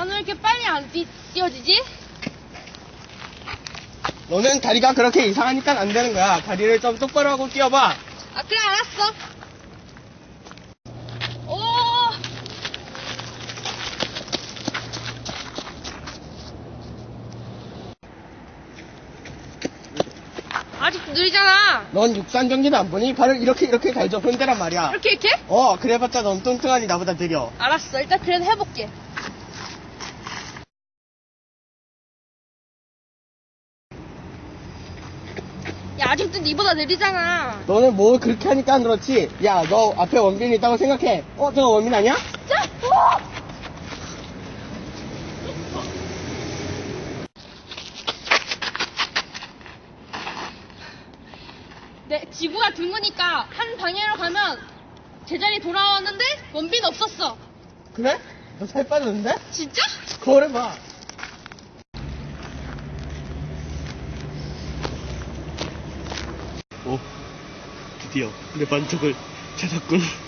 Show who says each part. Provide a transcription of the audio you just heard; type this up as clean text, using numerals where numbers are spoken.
Speaker 1: 나는 왜 이렇게 빨리 안 뛰어지지?
Speaker 2: 너는 다리가 그렇게 이상하니까 안 되는 거야. 다리를 좀 똑바로 하고 뛰어봐.
Speaker 1: 아, 그래, 알았어. 오! 아직도 느리잖아.
Speaker 2: 넌 육상 경기도 안 보니? 발을 이렇게 갈죠. 흔대란 말이야.
Speaker 1: 이렇게?
Speaker 2: 그래봤자 넌 뚱뚱하니 나보다 느려.
Speaker 1: 알았어. 일단 그래도 해볼게. 야, 아직도 니보다 느리잖아.
Speaker 2: 너는 뭐 그렇게 하니까 안 그렇지? 야, 너 앞에 원빈이 있다고 생각해. 저거 원빈 아니야?
Speaker 1: 자! 지구가 둥그니까 한 방향으로 가면 제자리 돌아왔는데 원빈 없었어.
Speaker 2: 그래? 너 살 빠졌는데?
Speaker 1: 진짜?
Speaker 2: 거울 해봐. 드디어 내 반쪽을 찾았군.